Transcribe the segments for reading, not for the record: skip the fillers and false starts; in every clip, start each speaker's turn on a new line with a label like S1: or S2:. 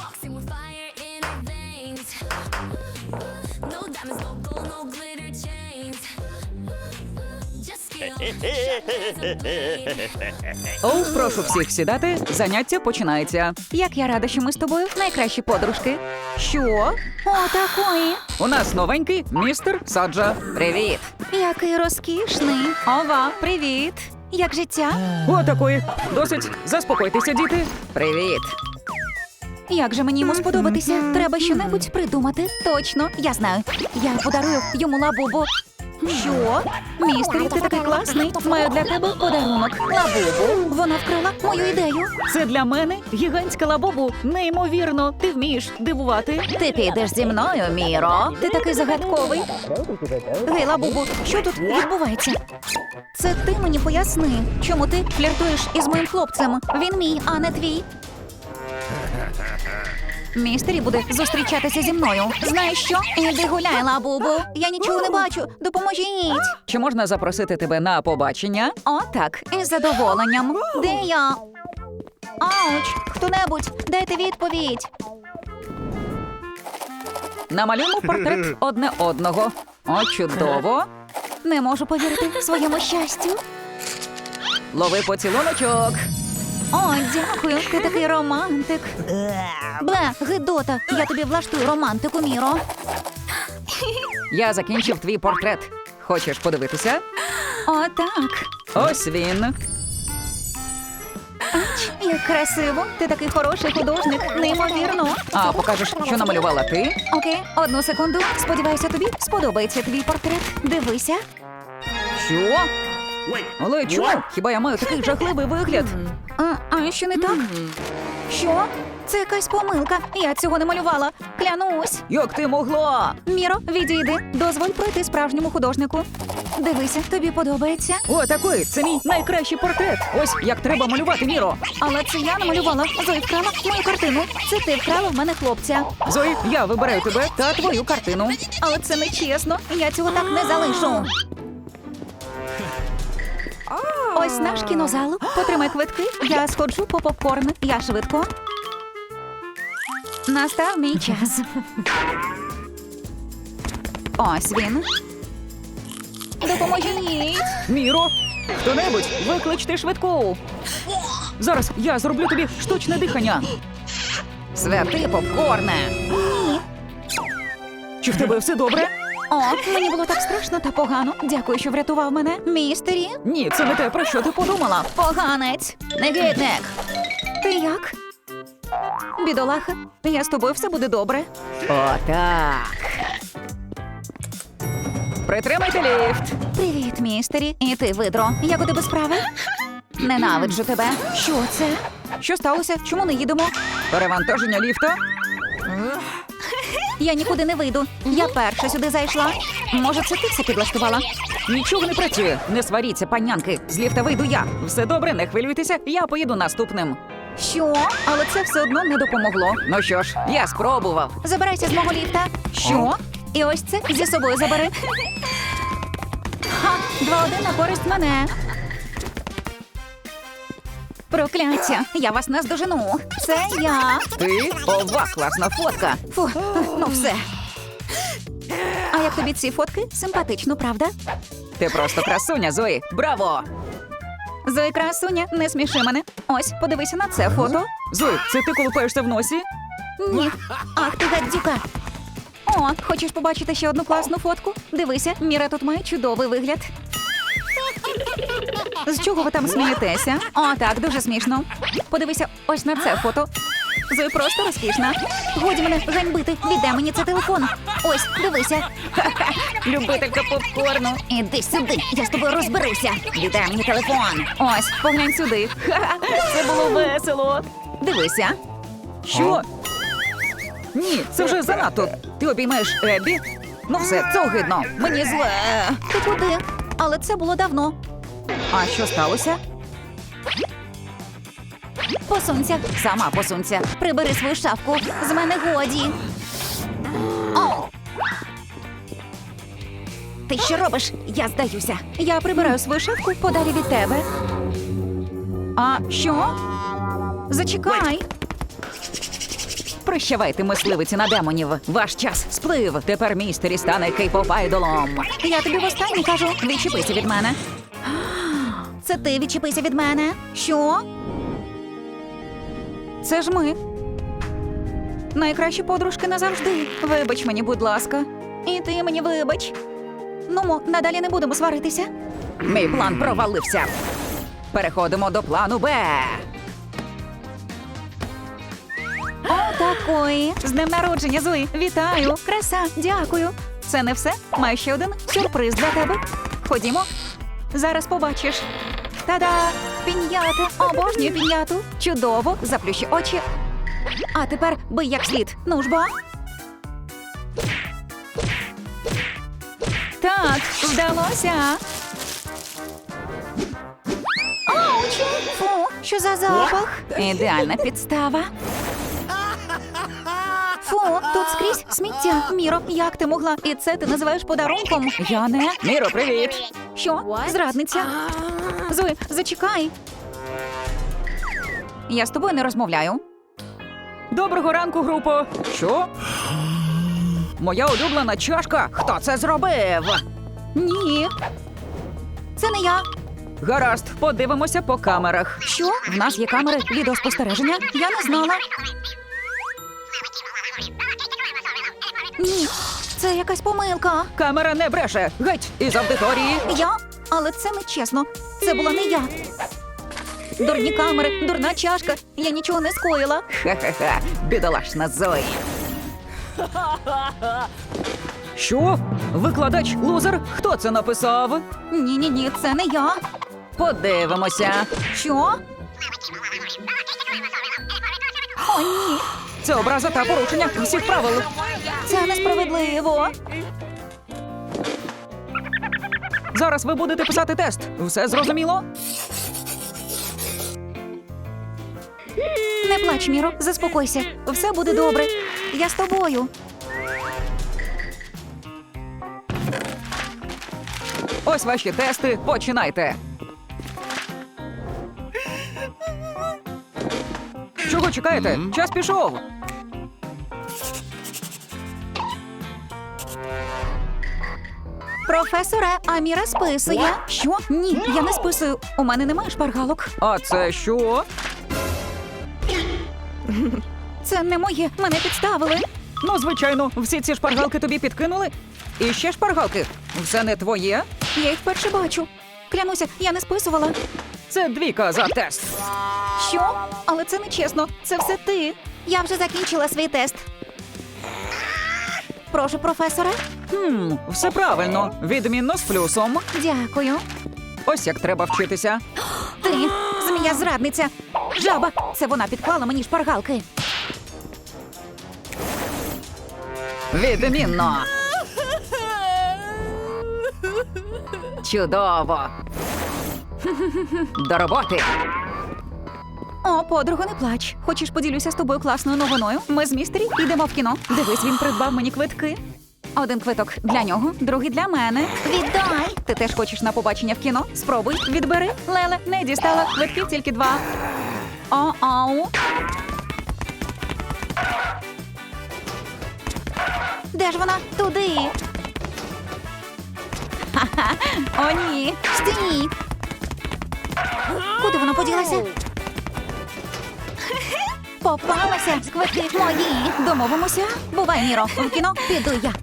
S1: Boxing with fire in her veins. No diamonds, no gold, no glitter chains. Just feel
S2: Оу, прошу всіх сідати. Заняття починається. Як я рада, що ми з тобою найкращі подружки. Що? О, такої. У нас новенький містер Саджа. Привіт. Який розкішний. Ова, привіт. Як життя? О, такої. Досить. Заспокойтеся, діти. Привіт. Як же мені йому сподобатися? Треба щонебудь придумати. Точно, я знаю. Я подарую йому лабубу. Що? Містер, ти такий класний. Маю для тебе подарунок. Лабубу. Вона вкрала мою ідею. Це для мене гігантська лабубу. Неймовірно. Ти вмієш дивувати. Ти підеш зі мною, Міро. Ти такий загадковий. Гей, лабубу, що тут відбувається? Це ти мені поясни, чому ти фліртуєш із моїм хлопцем. Він мій, а не твій. Містері буде зустрічатися зі мною. Знаєш що? Іди гуляй, лабубу. Я нічого не бачу. Допоможіть. Чи можна запросити тебе на побачення? О, так. Із задоволенням. Де я? Ауч! Хто-небудь, дайте відповідь. Намалюємо портрет одне одного. О, чудово. Не можу повірити своєму щастю. Лови поцілуночок. О, дякую, ти такий романтик. Бле, гидота, я тобі влаштую романтику, Міро. Я закінчив твій портрет. Хочеш подивитися? О, так. Ось він. Ач, як красиво. Ти такий хороший художник, неймовірно. А покажеш, що намалювала ти? Окей, одну секунду. Сподіваюся, тобі сподобається твій портрет. Дивися. Що? Але чому? Хіба я маю такий жахливий вигляд? А що не так? Що? Це якась помилка. Я цього не малювала. Клянусь. Як ти могла? Міро, відійди. Дозволь пройти справжньому художнику. Дивися, тобі подобається? О, такий, це мій найкращий портрет. Ось як треба малювати, Міро. Але це я намалювала. Зої вкрала мою картину. Це ти вкрала в мене хлопця. Зої, я вибираю тебе та твою картину. Але це не чесно. Я цього так не залишу. Ось наш кінозал. Потримай квитки. Я сходжу по попкорн. Я швидко. Настав мій час. Ось він. Допоможіть. Міро, хто-небудь, викличте швидку. Зараз я зроблю тобі штучне дихання. Святий попкорне. Ні. Чи в тебе все добре? О, мені було так страшно та погано. Дякую, що врятував мене. Містері? Ні, це не те, про що ти подумала. Поганець. Негідник. Ти як? Бідолаха, я з тобою все буде добре. О, так. Притримайте ліфт. Привіт, містері. І ти, видро. Як у тебе справи? Ненавиджу тебе. Що це? Що сталося? Чому не їдемо? Перевантаження ліфта? Я нікуди не вийду. Я перша сюди зайшла. Може, це ти все підлаштувала? Нічого не працює. Не сваріться, панянки. З ліфта вийду я. Все добре, не хвилюйтеся, я поїду наступним. Що? Але це все одно не допомогло. Ну що ж, я спробував. Забирайся з мого ліфта. Що? І ось це зі собою забери. Ха, 2-1 на користь мене. Прокляття, я вас наздожену. Це я. Ти? Ова, класна фотка. Фу, ну все. А як тобі ці фотки? Симпатично, правда? Ти просто красуня, Зої. Браво! Зої, красуня, не сміши мене. Ось, подивися на це фото. Зої, це ти колупаєшся в носі? Ні. Ах ти гадюка. О, хочеш побачити ще одну класну фотку? Дивися, Міра тут має чудовий вигляд. З чого ви там смієтеся? О, так, дуже смішно. Подивися ось на це фото. Зої просто розкішна. Годі мене ганьбити, віддай мені це телефон. Ось, дивися. Любителька попкорну. Іди сюди, я з тобою розберуся. Віддай мені телефон. Ось, поглянь сюди. Це було весело. Дивися. Що? Ні, це вже занадто. Ти обіймаєш Еббі? Ну все, це огидно. Мені зле. Ти куди? Але це було давно. А що сталося? Посунься, сама посунься. Прибери свою шапку. З мене годі. О! Ти що робиш? Я здаюся. Я прибираю свою шапку подалі від тебе. А що? Зачекай. Прощавайте, мисливиці на демонів. Ваш час сплив. Тепер містері стане кейпоп-айдолом. Я тобі востаннє кажу, відчепися від мене. Це ти відчепися від мене. Що? Це ж ми. Найкращі подружки назавжди. Вибач мені, будь ласка. І ти мені вибач. Ну, надалі не будемо сваритися. Мій план провалився. Переходимо до плану Б. О, такої. З днем народження, Зої. Вітаю. Краса, дякую. Це не все. Маю ще один сюрприз для тебе. Ходімо. Зараз побачиш. Та-да! Пін'ята. Обожнюю пін'яту. Чудово. Заплющи очі. А тепер бий як слід. Ну ж бо. Так, вдалося. Ауч! Фу, що за запах? Ідеальна підстава. Фу, тут скрізь сміття. Міро, як ти могла? І це ти називаєш подарунком? Я не. Міро, привіт. Що? Зрадниця? Зої, зачекай. Я з тобою не розмовляю. Доброго ранку, групо. Що? Моя улюблена чашка. Хто це зробив? Ні. Це не я. Гаразд, подивимося по камерах. Що? В нас є камери відеоспостереження? Я не знала. Ні, це якась помилка. Камера не бреше. Геть із аудиторії. Я? Але це не чесно. Це була не я. Дурні камери, дурна чашка. Я нічого не скоїла. Ха-ха-ха, бідолашна Зої. Що? Викладач лузер? Хто це написав? Ні, це не я. Подивимося. Що? О, ні. Це образа та порушення всіх правил. Це несправедливо. Зараз ви будете писати тест. Все зрозуміло? Не плач, Міро, заспокойся. Все буде добре. Я з тобою. Ось ваші тести. Починайте. Чого чекаєте? Час пішов. Професоре, а Міра списує. Що? Ні, я не списую. У мене немає шпаргалок. А це що? Це не моє. Мене підставили. Ну, звичайно, всі ці шпаргалки тобі підкинули. І ще шпаргалки. Все не твоє. Я їх вперше бачу. Клянуся, я не списувала. Це 2 за тест. Що? Але це не чесно. Це все ти. Я вже закінчила свій тест. Прошу, професоре. Все правильно. Відмінно з плюсом. Дякую. Ось як треба вчитися. Ти, змія-зрадниця. Жаба. Це вона підклала мені шпаргалки. Відмінно. Чудово. До роботи. О, подруго, не плач. Хочеш, поділюся з тобою класною новиною? Ми з містері йдемо в кіно. Дивись, він придбав мені квитки. 1 квиток для нього, другий для мене. Віддай! Ти теж хочеш на побачення в кіно? Спробуй, відбери. Леле, не дістала. Квитків тільки 2. О-оу. Де ж вона? Туди. Ха-ха. О, ні. Стій. Куди вона поділася? Попалася. Квитки мої. Домовимося. Бувай, Міро. В кіно піду я.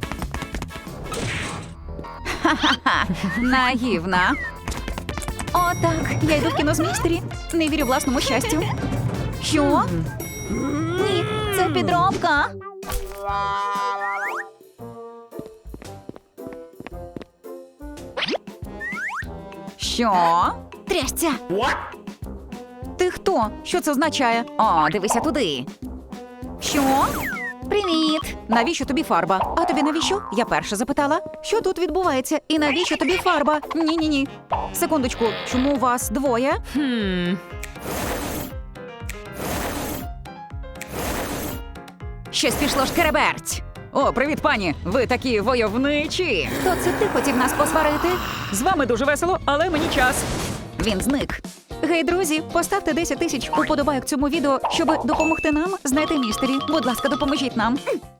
S2: Ха-ха-ха. Наївна. О, так. Я йду в кіно з містері. Не вірю власному щастю. Що? Ні, це підробка. Що? Трясця. Ти хто? Що це означає? О, дивися туди. Що? Привіт! Навіщо тобі фарба? А тобі навіщо? Я перша запитала. Що тут відбувається? І навіщо тобі фарба? Ні. Секундочку, чому вас 2? Щось пішло шкереберть. О, привіт, пані! Ви такі войовничі! То це ти хотів нас посварити? З вами дуже весело, але мені час. Він зник. Гей, друзі, поставте 10 тисяч уподобайок цьому відео, щоб допомогти нам знайти містері. Будь ласка, допоможіть нам.